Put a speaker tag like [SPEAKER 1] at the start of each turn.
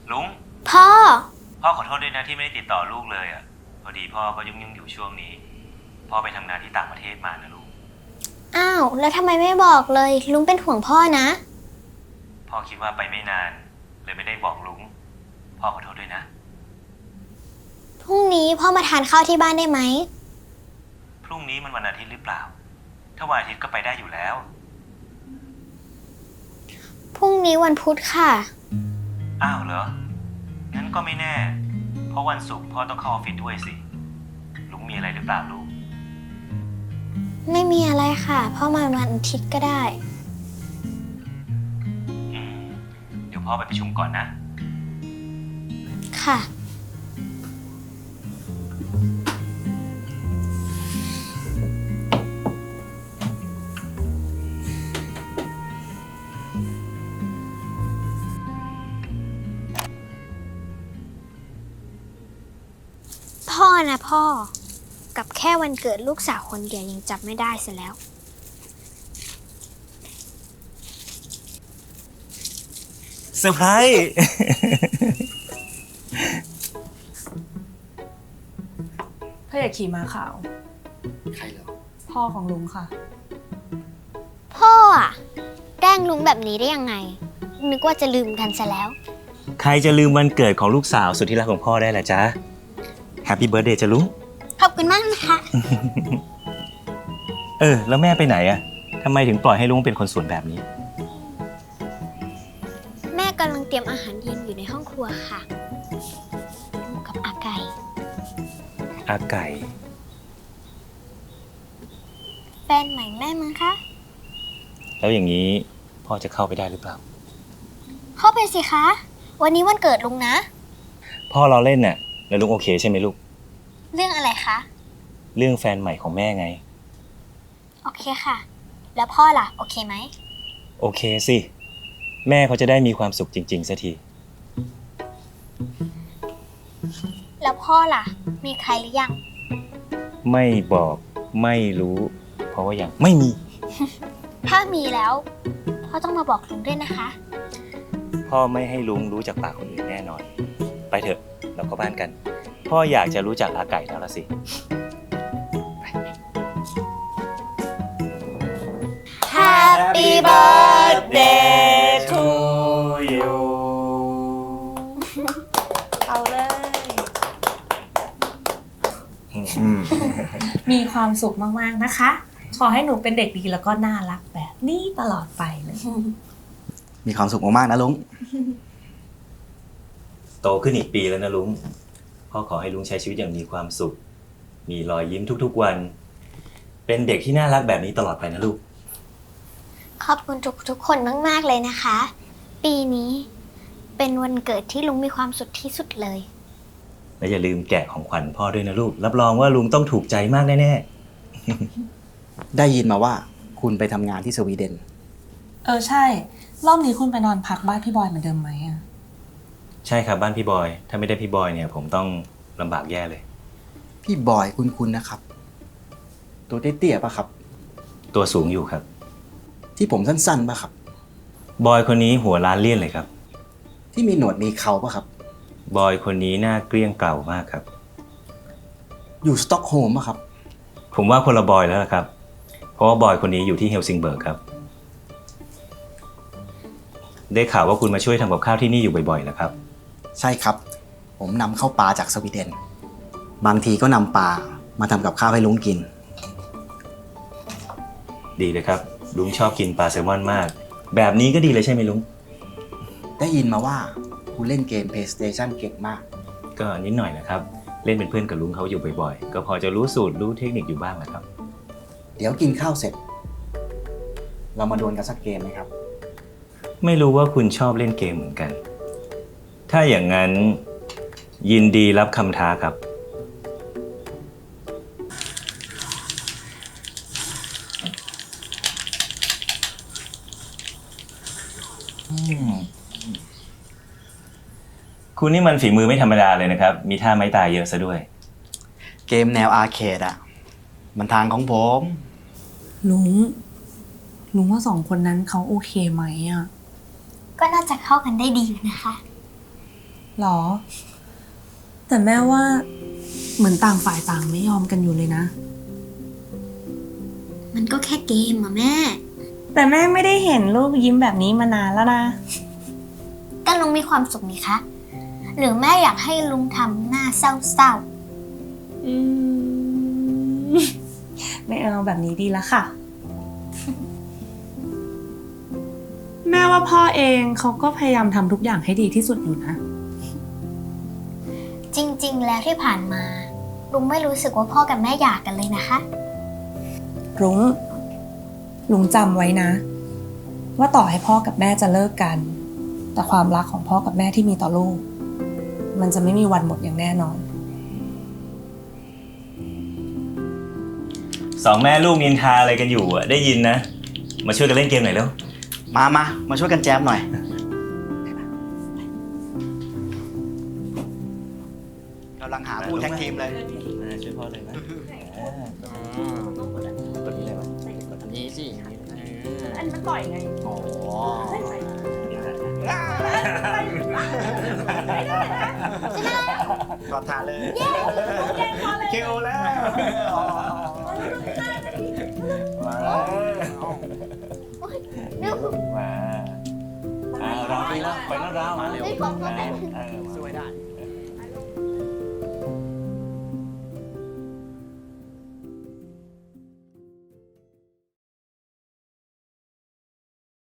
[SPEAKER 1] ลุง
[SPEAKER 2] พ่อ
[SPEAKER 1] ขอโทษด้วยนะที่ไม่ได้ติดต่อลูกเลยอ่ะพอดีพ่อก็ยุ่งอยู่ช่วงนี้พ่อไปทำงานที่ต่างประเทศมานะลูก
[SPEAKER 2] อ้าวแล้วทำไมไม่บอกเลยลุงเป็นห่วงพ่อนะ
[SPEAKER 1] พ่อคิดว่าไปไม่นานเลยไม่ได้บอกลุงพ่อขอโทษด้วยนะ
[SPEAKER 2] พรุ่งนี้พ่อมาทานข้าวที่บ้านได้ไหม
[SPEAKER 1] พรุ่งนี้มันวันอาทิตย์หรือเปล่าถ้าวันอาทิตย์ก็ไปได้อยู่แล้ว
[SPEAKER 2] พรุ่งนี้วันพุธค่ะ
[SPEAKER 1] อ้าวเหรองั้นก็ไม่แน่เพราะวันศุกร์พ่อต้องเข้าออฟฟิศด้วยสิลุงมีอะไรหรือเปล่าลูก
[SPEAKER 2] ไม่มีอะไรค่ะพ่อมาวันอาทิตย์ก็ได้
[SPEAKER 1] เดี๋ยวพ่อไปประชุมก่อนนะ
[SPEAKER 2] ค่ะพ่อนะพ่อกับแค่วันเกิดลูกสาวคนเดียวยังจับไม่ได้เสียแล้ว
[SPEAKER 1] เซอร์ไพรส์
[SPEAKER 3] พระเอกขี่ม้าขาว
[SPEAKER 4] ใครเหรอ
[SPEAKER 3] พ่อของลุงค่ะ
[SPEAKER 2] พ่ออะแกล้งลุงแบบนี้ได้ยังไงนึกว่าจะลืมกันซะแล้ว
[SPEAKER 1] ใครจะลืมวันเกิดของลูกสาวสุดที่รักของพ่อได้ล่ะจ๊ะแฮปปี้เบิร์ธเดย์จ้ะลุง
[SPEAKER 2] ขอบคุณมากนะคะ
[SPEAKER 1] แล้วแม่ไปไหนอะทำไมถึงปล่อยให้ลุงเป็นคนสวนแบบนี้
[SPEAKER 2] แม่กำลังเตรียมอาหารเย็นอยู่ในห้องครัวค่ะกับอาไก่แฟนใหม่แม่มั้งคะ
[SPEAKER 1] แล้วอย่างนี้พ่อจะเข้าไปได้หรือเปล่า
[SPEAKER 2] เข้าไปสิคะวันนี้วันเกิดลุงนะ
[SPEAKER 1] พ่อเราเล่นน่ะแล้วลุงโอเคใช่ไหมลูก
[SPEAKER 2] เรื่องอะไรคะ
[SPEAKER 1] เรื่องแฟนใหม่ของแม่ไง
[SPEAKER 2] โอเคค่ะแล้วพ่อล่ะโอเคไหม
[SPEAKER 1] โอเคสิแม่เขาจะได้มีความสุขจริงๆสักที
[SPEAKER 2] แล้วพ่อล่ะมีใครหรือยัง
[SPEAKER 1] ไม่บอกไม่รู้เพราะว่ายังไม่มี
[SPEAKER 2] ถ้ามีแล้วพ่อต้องมาบอกลุงด้วยนะคะ
[SPEAKER 1] พ่อไม่ให้ลุงรู้จากปากคนอื่นแน่นอนไปเถอะเราเข้าบ้านกันพ่ออยากจะรู้จักอาไก่แล้วล่ะสิ
[SPEAKER 2] Happy birthday
[SPEAKER 1] to you
[SPEAKER 3] เอาเลยมีความสุขมากๆนะคะขอให้หนูเป็นเด็กดีแล้วก็น่ารักแบบนี้ตลอดไปเลย
[SPEAKER 4] มีความสุขมากๆนะลุง
[SPEAKER 1] โตขึ้นอีกปีแล้วนะลุงพ่อขอให้ลุงใช้ชีวิตอย่างมีความสุขมีรอยยิ้มทุกๆวันเป็นเด็กที่น่ารักแบบนี้ตลอดไปนะลูก
[SPEAKER 2] ขอบคุณทุกคนมากๆเลยนะคะปีนี้เป็นวันเกิดที่ลุงมีความสุขที่สุดเลย
[SPEAKER 1] และอย่าลืมแกะของขวัญพ่อด้วยนะลูกรับรองว่าลุงต้องถูกใจมากแน่
[SPEAKER 4] ๆได้ยินมาว่าคุณไปทำงานที่สวีเดน
[SPEAKER 3] ใช่รอบนี้คุณไปนอนพักบ้านพี่บอยเหมือนเดิมไหมอ่ะ
[SPEAKER 1] ใช่ครับบ้านพี่บอยถ้าไม่ได้พี่บอยเนี่ยผมต้องลำบากแย่เลย
[SPEAKER 4] พี่บอยคุณนะครับตัวเตี้ยๆป่ะครับ
[SPEAKER 1] ตัวสูงอยู่ครับ
[SPEAKER 4] ที่ผมสั้นๆป่ะครับ
[SPEAKER 1] บอยคนนี้หัวล้านเลี่ยนเลยครับ
[SPEAKER 4] ที่มีหนวดมีเขาป่ะครับ
[SPEAKER 1] บอยคนนี้หน้าเกลี้ยงเกล่ามากครับ
[SPEAKER 4] อยู่สต็อกโฮล์มป่ะครับ
[SPEAKER 1] ผมว่าคนละบอยแล้วล่ะครับเพราะว่าบอยคนนี้อยู่ที่เฮลซิงเบิร์กครับได้ข่าวว่าคุณมาช่วยทำกับข้าวที่นี่อยู่บ่อยๆแล้วครับ
[SPEAKER 4] ใช่ครับผมนำเข้าปลาจากสวีเดนบางทีก็นำปลามาทำกับข้าวให้ลุงกิน
[SPEAKER 1] ดีเลยครับลุงชอบกินปลาแซลมอนมากแบบนี้ก็ดีเลยใช่ไหมลุง
[SPEAKER 4] ได้ยินมาว่าคุณเล่นเกม PlayStation เก่งมาก
[SPEAKER 1] ก็นิดหน่อยนะครับเล่นเป็นเพื่อนกับลุงเขาอยู่บ่อยๆก็พอจะรู้สูตรรู้เทคนิคอยู่บ้างแหละครับ
[SPEAKER 4] เดี๋ยวกินข้าวเสร็จเรามาดวลกันสักเกมไหมครับ
[SPEAKER 1] ไม่รู้ว่าคุณชอบเล่นเกมเหมือนกันถ้าอย่างนั้นยินดีรับคำท้าครับคุณนี่มันฝีมือไม่ธรรมดาเลยนะครับมีท่าไม้ตายเยอะซะด้วย
[SPEAKER 4] เกมแนวอาร์เคดอ่ะมันทางของผม
[SPEAKER 3] ลุงว่าสองคนนั้นเขาโอเคไหมอ่ะ
[SPEAKER 2] ก็น่าจะเข้ากันได้ดีนะคะ
[SPEAKER 3] หรอ แต่แม่ว่าเหมือนต่างฝ่ายต่างไม่ยอมกันอยู่เลยนะ
[SPEAKER 2] มันก็แค่เกมอะแม่
[SPEAKER 3] แต่แม่ไม่ได้เห็นลูกยิ้มแบบนี้มานานแล้วนะ
[SPEAKER 2] ก็ลุงมีความสุขนี่คะ หรือแม่อยากให้ลุงทำหน้าเศร้า
[SPEAKER 3] ไม่เอาแบบนี้ดีแล้วค่ะ แม่ว่าพ่อเองเขาก็พยายามทำทุกอย่างให้ดีที่สุดอยู่นะ
[SPEAKER 2] ๆ จริง ๆ แล้วที่ผ่านมา ลุงไม่รู้สึกว่าพ่อกับแม่อยากกันเลยนะคะ
[SPEAKER 3] ลุงจำไว้นะ ว่าต่อให้พ่อกับแม่จะเลิกกัน แต่ความรักของพ่อกับแม่ที่มีต่อลูก มันจะไม่มีวันหมดอย่างแน่นอน
[SPEAKER 1] สองแม่ลูกนินทาอะไรกันอยู่อะได้ยินนะ มาช่วยกันเล่นเกมหน่อยเร็ว
[SPEAKER 4] มาช่วยกันแจมหน่อยกำลังหาผู้แท็กทีมเลย
[SPEAKER 1] ช่วยพ่อเลยนะกดนี้เลยวะ
[SPEAKER 4] อันนี้สิ
[SPEAKER 3] อันนี้มันต่อยไง
[SPEAKER 4] โอ้กอดทานเลยคิวแล้ว
[SPEAKER 1] มาเราไปแล้วไปแล้วเรามาเร็ว
[SPEAKER 2] ไม่พบก็ได้
[SPEAKER 1] เออ